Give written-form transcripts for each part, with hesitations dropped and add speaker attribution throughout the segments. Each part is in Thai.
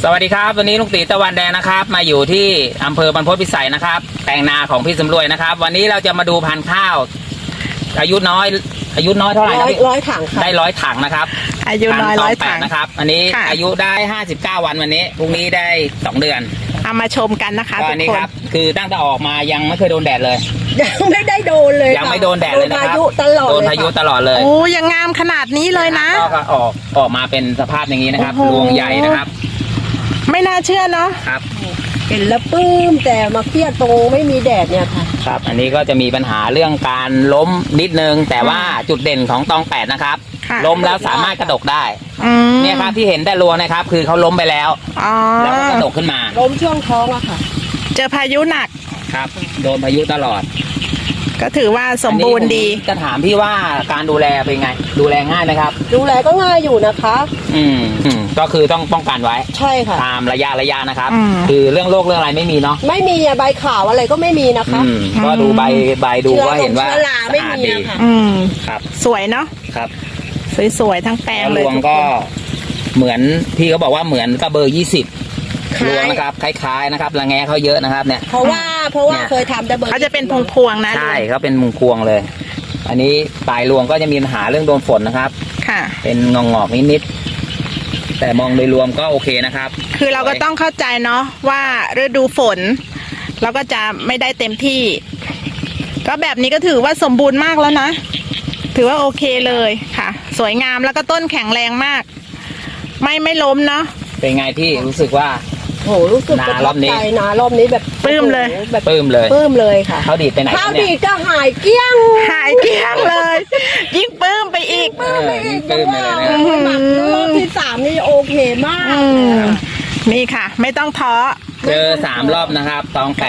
Speaker 1: สวัสดีครับวันนี้ลุงตีตะวันแดงนะครับมาอยู่ที่อำเภอบรรพตพิสัยนะครับแปลงนาของพี่สำรวยนะครับวันนี้เราจะมาดูพันธุ์ข้าวอายุน้อยเท่าไหร่นะพี่
Speaker 2: ร้อยถังครับ
Speaker 1: ได้100 ถังนะครับ
Speaker 3: อายุน้อย100 ถัง
Speaker 1: นะครับอันนี้อายุได้59 วันวันนี้พรุ่งนี้ได้2 เดือน
Speaker 3: เอามาชมกันนะคะ
Speaker 1: ทุกคนครับคือตั้งแต่ออกมายังไม่เคยโดนแดดเลย
Speaker 2: ยังไม่ได้โดนเลย
Speaker 1: ยังไม่โดนแดดเลยนะครับโดนพายุตลอดเลย
Speaker 3: โอ้ยังงามขนาดนี้เลยนะ
Speaker 1: ก็ออกมาเป็นสภาพอย่างนี้นะครับรวงใหญ่นะครับ
Speaker 3: ไม่น่าเชื่อเนาะ
Speaker 1: ครับ
Speaker 2: เห็นแล้วปลื้มแต่มาเครียดตรงไม่มีแดดเนี่ยค่ะ
Speaker 1: ครับอันนี้ก็จะมีปัญหาเรื่องการล้มนิดนึงแต่ว่าจุดเด่นของตอง8นะครับล้มแล้วสามารถกระดกได้เนี่ยครับที่เห็นแต่รวงนะครับคือเขาล้มไปแล้วแล้วก็กระดกขึ้นมา
Speaker 2: ล้มช่วงท้องอะค่ะ
Speaker 3: เจอพายุหนัก
Speaker 1: ครับโดนพายุตลอด
Speaker 3: ก็ถือว่าสมบูรณ์ดี
Speaker 1: จะถามพี่ว่าการดูแลเป็นไงดูแลง่ายไหมครับ
Speaker 2: ดูแลก็ง่ายอยู่นะคะ
Speaker 1: ก็คือต้องป้องกันไว้
Speaker 2: ใช่ค่ะ
Speaker 1: ตามระยะนะครับคือเรื่องโรคเรื่องอะไรไม่มีเนาะ
Speaker 2: ไม่มีใบขาวอะไรก็ไม่มีนะคะ
Speaker 1: ก็ดูใบดูก็เห็นว่า
Speaker 2: เชื้อราไม่มีค่ะ
Speaker 1: ครับ
Speaker 3: สวยเนาะ
Speaker 1: ครับ
Speaker 3: สวยๆทั้งแปลงเลย
Speaker 1: รวงก็เหมือนพี่เขาบอกว่าเหมือนกับเบอร์20รวงนะครับคล้ายๆนะครับระแงเขาเยอะนะครับเนี่ย
Speaker 2: เพราะว่าเคยทำแต่เบอร์
Speaker 3: เขาจะเป็นพวงๆนะ
Speaker 1: ใช่เขาเป็นพวงเลยอันนี้ปลายรวงก็จะมีปัญหาเรื่องโดนฝนนะครับ
Speaker 3: ค่ะ
Speaker 1: เป็นงอกนิดๆแต่มองโดยรวมก็โอเคนะครับ
Speaker 3: คือเราก็ต้องเข้าใจเนาะว่าฤดูฝนเราก็จะไม่ได้เต็มที่ก็แบบนี้ก็ถือว่าสมบูรณ์มากแล้วนะถือว่าโอเคเลยค่ะสวยงามแล้วก็ต้นแข็งแรงมากไม่ล้มเนาะ
Speaker 1: เป็นไงที่รู้สึกว่า
Speaker 2: โหรู้สึก
Speaker 1: นารอบ
Speaker 2: นี้แบบ
Speaker 3: ปลื้มเลย
Speaker 1: ปลื้ม
Speaker 2: เลยค่ะ
Speaker 1: เขาดีดไปไหน
Speaker 2: ข้าวดีดก็หายเกลี้ยง
Speaker 3: เลยยิ่งปลื้มไปอีก
Speaker 1: ปลื้มเลยนะ
Speaker 2: รอบที่3นี่โอเคมาก
Speaker 3: นี่ค่ะไม่ต้องท้อ
Speaker 1: เจอ3 รอบนะครับตอง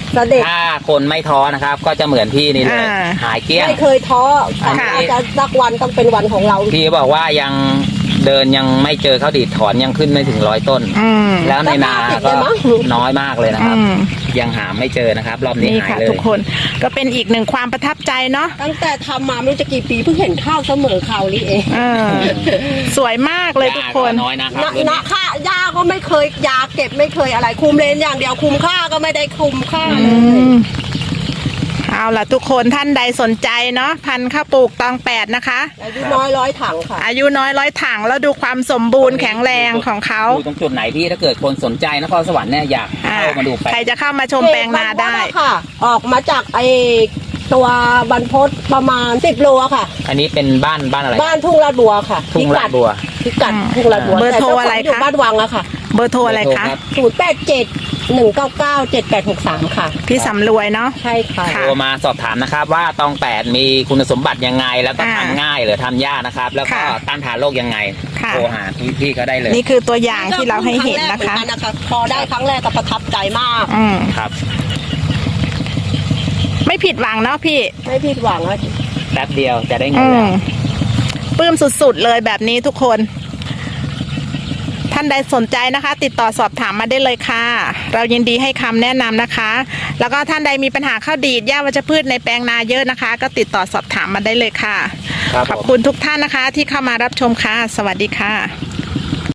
Speaker 1: 8ถ้าคนไม่ท้อนะครับก็จะเหมือนพี่นี่เลยหายเกลี้ยง
Speaker 2: ไม่เคยท้อจะสักวันต้องเป็นวันของเรา
Speaker 1: พี่บอกว่ายังเดินยังไม่เจอข้าวดีดถอนยังขึ้นไม่ถึง100 ต้นแล้วในนาก็น้อยมากเลยนะครับยังหาไม่เจอนะครับรอบนี้หายเลย
Speaker 3: ทุกคนก็เป็นอีกหนึ่งความประทับใจเนาะ
Speaker 2: ตั้งแต่ทำมาไม่รู้จะกี่ปีเพิ่งเห็นข้าวเสมอข่าวนี้เอง
Speaker 3: สวยมากเลยทุกคน
Speaker 1: น้อยนะครับ
Speaker 2: นะค่าหญ้าก็ไม่เคยยาเก็บไม่เคยอะไรคุมเลนอย่างเดียวคุมค่าก็ไม่ได้คุมค่าเลย
Speaker 3: เอาล่ะทุกคนท่านใดสนใจเนาะพันธุ์ข้าวปลูกตอง8นะคะ
Speaker 2: อายุน้อย100 ถังค่ะ
Speaker 3: อายุน้อย100 ถังแล้วดูความสมบูรณ์แข็งแรงของเขา
Speaker 1: ตรงจุดไหนพี่ถ้าเกิดคนสนใจนครสวรรค์เนี่ยอยากเข้ามาดู
Speaker 3: ใครจะเข้ามาชมแปลงนาได้
Speaker 2: ค่ะออกมาจากตัวบรรพตประมาณ10 โลค่ะ
Speaker 1: อันนี้เป็นบ้านอะไร
Speaker 2: บ้านทุ่งลาดบัวค่ะ
Speaker 1: ทุ่งลาดบัว
Speaker 2: พิกัดทุ่งลาดบัว
Speaker 3: เบอร์โทรอะไรคะ
Speaker 2: บ้านวังอะค่ะ
Speaker 3: เบอร์โทรอะไรคะ
Speaker 2: 087-199-7863ค่ะ
Speaker 3: พี่สำรวยเนาะ
Speaker 2: ใช่ค่ะ
Speaker 1: โทรมาสอบถามนะครับว่าตอง8มีคุณสมบัติยังไงแล้วก็ทำง่ายหรือทำยากนะครับแล้วก็ต้านทานโรคยังไงโทรหาพี่ก็ได้เลย
Speaker 3: นี่คือตัวอย่างที่เราให้เห็นนะคะ
Speaker 2: พอได้ครั้งแรกก็ประทับใจมาก
Speaker 1: ครับ
Speaker 3: ไม่ผิดหวังเนาะพี่
Speaker 2: ไม่ผิดหวัง
Speaker 1: แป๊บเดียวจะได้เงินแล้ว
Speaker 3: ปลื้มสุดๆเลยแบบนี้ทุกคนท่านใดสนใจนะคะติดต่อสอบถามมาได้เลยค่ะเรายินดีให้คำแนะนำนะคะแล้วก็ท่านใดมีปัญหาข้าวดีดหญ้าวัชพืชในแปลงนาเยอะนะคะก็ติดต่อสอบถามมาได้เลยค่ะขอบคุณทุกท่านนะคะที่เข้ามารับชมค่ะสวัสดีค่ะ